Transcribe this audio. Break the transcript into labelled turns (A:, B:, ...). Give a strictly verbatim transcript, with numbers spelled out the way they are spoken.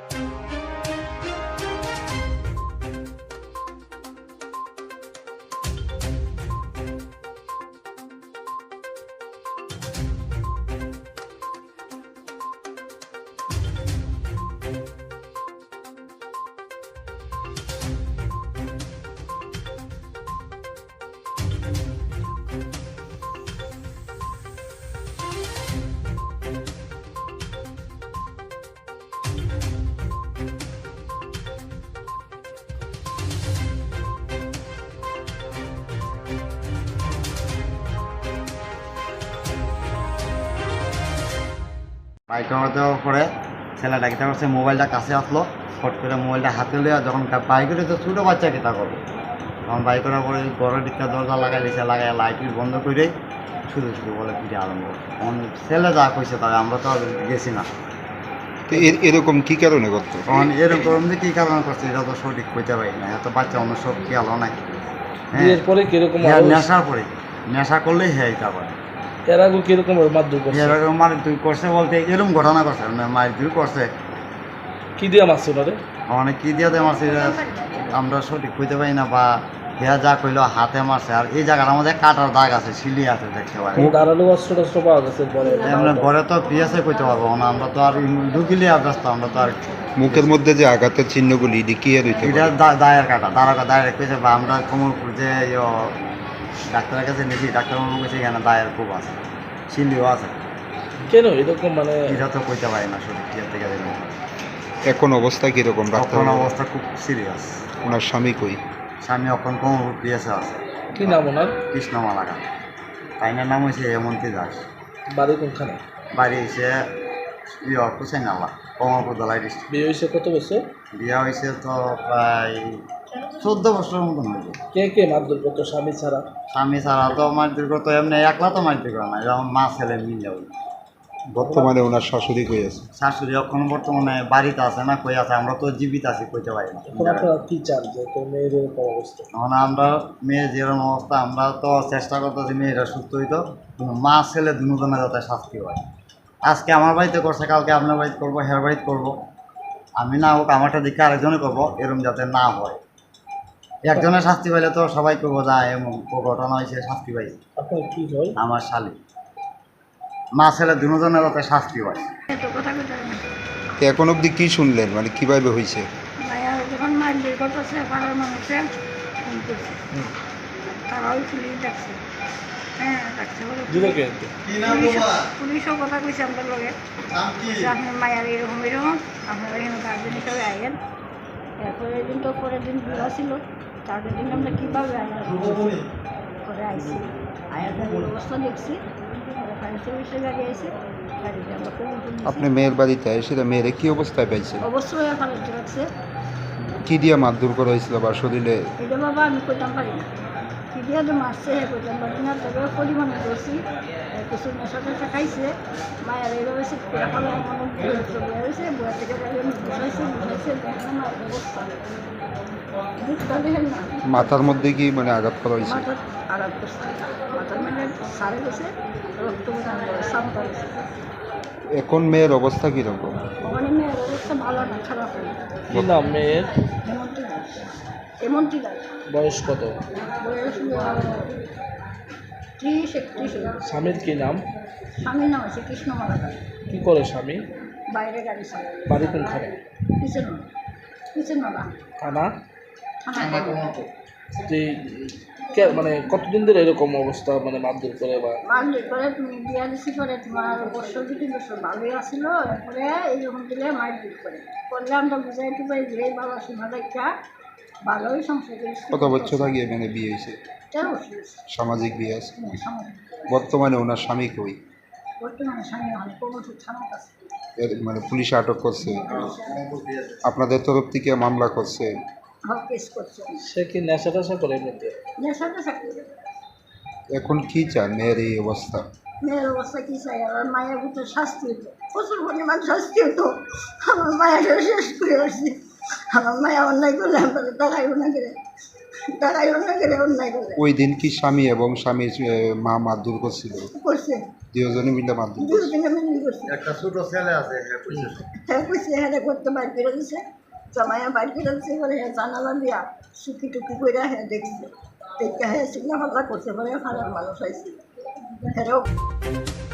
A: Bike দেওয়ার পরে ছেলেটা কিতা করছে, মোবাইলটা কাছে আসলো, ফট করে মোবাইলটা হাতে লিয়া যখন বাইক তো ছোটো বাচ্চা কিতা করবো, তখন বাইক করার পরে ঘরের দিকটা দরজা লাগাই দিয়েছে, লাগাই লাইট বন্ধ করে শুধু শুধু বলে ফিরে আরম্ভ। তখন ছেলে যা কইছে তবে আমরা তো আর গেছি না।
B: তো এরকম কি কারণে করতো?
A: তখন এরকম যে কী কারণে করছে এটা তো সঠিক কইতে পারি না, এত বাচ্চা অন্য সব খেয়ালও নাই। হ্যাঁ, নেশার পরে নেশা করলেই হ্যাঁ এটা করে।
C: এর আগে কিরকম মারধর করছে?
A: এরকম মারধর করছে বলতে এরকম ঘটনা করছে, মারধর করছে।
C: কি দিয়ে মারছে ওনারে?
A: অনেক কি দিয়ে দেয় মারছে আমরা সঠিক কইতে পারি না, বা হেয়া যা কইলো হাতে মারছে। আর এই জায়গাটার মধ্যে কাটার দাগ আছে, সিলি আছে দেখতে পারি।
C: ধারালো অস্ত্র টস্ত্র পাওয়া গেছে পরে?
A: আমরা ঘরে তো পিয়াসে কইতে পারবো না, আমরা তো আর ঢুকিলে ব্যস্ত, আমরা তো আর।
B: মুখের মধ্যে যে আঘাতের চিহ্নগুলি কি আর
A: এটা দায়ের কাটা, দাঁড়া দায়ের কইছে, বা আমরা কোমরপুর যে ডাক্তারের কাছে নিয়েছি, ডাক্তারবাবু কইছে এখানে দায়ের খুব আছে, সিলিও আছে।
C: কেন এরকম মানে?
A: এটা তো কইতে পারি না সঠিক কি থেকে দেবেন।
B: এখন অবস্থা কিরকম?
A: এখন অবস্থা খুব সিরিয়াস।
B: ওনার স্বামী কই?
A: স্বামী এখন কোমরপুর পিয়াসে আছে।
C: কি নাম ওনার?
A: কৃষ্ণমালাকা। তাইনার নাম হয়েছে হেমন্তী দাস।
C: বাড়ি কোনখানে?
A: বাড়ি হয়েছে ইয়ে কুচাই নালা, কমলপুর দলাই ডিস্ট্রিক্ট।
C: বিয়ে হয়েছে কত বছর?
A: বিয়ে হয়েছে তো প্রায় চোদ্দ বছরের মতন হয়েছে।
C: কে কে মারধর করতো স্বামী ছাড়া?
A: স্বামী ছাড়া তো মারধর করতো, এমনি একলা তো মারধর করে না, যেমন মা ছেলে মিলে।
B: বর্তমানে ওনার শাশুড়ি কই আছে?
A: শাশুড়ি এখন বর্তমানে বাড়িতে আছে না, কই আছে, আমরা তো জীবিত আছি কইতে পারি না।
C: এখন আপনারা কি চান যে তোর মেয়ের এরকম অবস্থা?
A: এখন আমরা মেয়ে যেরকম অবস্থা, আমরা তো চেষ্টা করতেছি মেয়েরা সুস্থ হইতো, কিন্তু মা ছেলে দুজনে যাতে শাস্তি হয়। আজকে আমার বাড়িতে করছে, কালকে আপনার বাড়িতে করবো, হের বাড়িতে করবো। আমি না হোক আমারটা দিকে আরেকজনে করবো, এরকম যাতে না হয়। একজনের শাস্তি পাইলে তো সবাই করবো, যা এমন ঘটনা হয়েছে শাস্তি পাই।
C: আপনার কি হয়?
A: আমার শালি মা ছেলে দুজনের যাতে শাস্তি হয়।
B: এখন অবধি কি শুনলেন, মানে কিভাবে হয়েছে?
D: যখন মারধর করতেছে পাড়ার মানুষে ফোন করছে, তারাও পুলিশ ডাকছে। হ্যাঁ ডাকছে, পুলিশও কথা কইছে আমাদের লগে, আপনার মায়ের এরকম এরকম, আপনারা এখানে গার্জেন হিসাবে আইয়েন। এরপরের দিন তো পরের দিন বিবাহ ছিল, তারপরের দিন আমরা কীভাবে আইলাম করে আইসি, আয়ার অবস্থা দেখছি, ফায়ার সার্ভিসের গাড়ি আইসে, গাড়িতে আমরা
B: আপনি মেয়ের বাড়িতে এসে মেয়েরে কি অবস্থায় পাইছেন?
D: অবশ্যই ফালাইতে রাখছে।
B: কি দিয়ে মারধর করা হয়েছিল বা শরীরে?
D: এটা বাবা আমি কইতাম পারি না, কি দিয়ে তো মারছে হ্যাঁ কইতাম পারি না, তবে পরিমাণে করছি। কিছু নেশা টেশা খাইছে, মায়ের এইভাবে সিট করে ফেলে মনে বয়ে হয়েছে, বয়ে থেকে গাড়ি আমি বসাইছে বসাইছে দেখলাম আর অবস্থা বুঝতে দেখেন না।
B: মাথার মধ্যে কি মানে আঘাত করা হয়েছে?
D: মাথার আঘাত করছে, মাথার মানে সারে গেছে, রক্ত সামটা গেছে।
B: এখন মেয়ের অবস্থা কীরকম?
D: ওখানে মেয়ের অবস্থা ভালো না, খারাপ হয়।
C: কি নাম মেয়ের?
D: হেমন্তী দাস। হেমন্তী দাস।
C: বয়স কত?
D: বয়স ত্রিশ একত্রিশ।
C: স্বামীর কি নাম?
D: স্বামীর নাম আছে কৃষ্ণমালাকা।
C: কি করে স্বামী?
D: বাইরে গাড়ি চালায়।
C: বাড়ি কোনখানে?
D: কিচেন কিচেন নালা
C: থানা?
D: থানা
C: যে কে- মানে কতদিন ধরে এরকম অবস্থা, মানে মারধর করে বা
D: মারলে পরে তুমি বিয়া দিছি করে তোমার বছর দুটি বছর ভালোই আসিল, এরপরে এইরকম দিলে মারপিট করে করলে আমরা বুঝাই টুবাই যে বাবা শোনা দেখা ভালোই সংসার করেছি।
B: কত বছর আগে মানে বিয়ে হয়েছে?
D: তেরো বছর।
B: সামাজিক বিয়ে আছে।
D: সামাজিক।
B: বর্তমানে ওনার স্বামী কই?
D: বর্তমানে স্বামী হয় কোমর থানার কাছে।
B: এর মানে পুলিশে আটক করছে, আপনাদের তরফ থেকে মামলা করছে?
D: হক কেস করছে।
C: সে কি নেশা টেশা করে এমনিতে?
D: নেশাতে চাকরি।
B: এখন কি চান মেয়ের এই অবস্থা?
D: মেয়ের অবস্থা কী চাই, আমার মায়ের ভিতরে শাস্তি হতো, প্রচুর পরিমাণ শাস্তি হতো। আমার মায়ের শেষ করে আসছি, আমার মায়া অন্যায় করলে আমরা টাকাইব না করে
E: দাঁড়াইও না গেলে অন্যায় করে
B: ওই দিন কি স্বামী এবং স্বামীর এ, মা মারধর করছিল?
E: করছে
B: দুজনে মিলে মারধর করছে।
E: দুজনে মিলি করছে
A: একটা ছোট ছেলে আছে হ্যাঁ কইছে সব।
E: হ্যাঁ কইছে হ্যাঁ করতে বাইর করে দিছে জামাইয়া বাইর করে দিছে পরে হ্যাঁ জানালা দিয়া সুখি টুকি করে হ্যাঁ দেখছে দেখতে হ্যাঁ সিগনা ফাল্লা করছে পরে ফালার মানুষ হয়েছে হ্যাঁ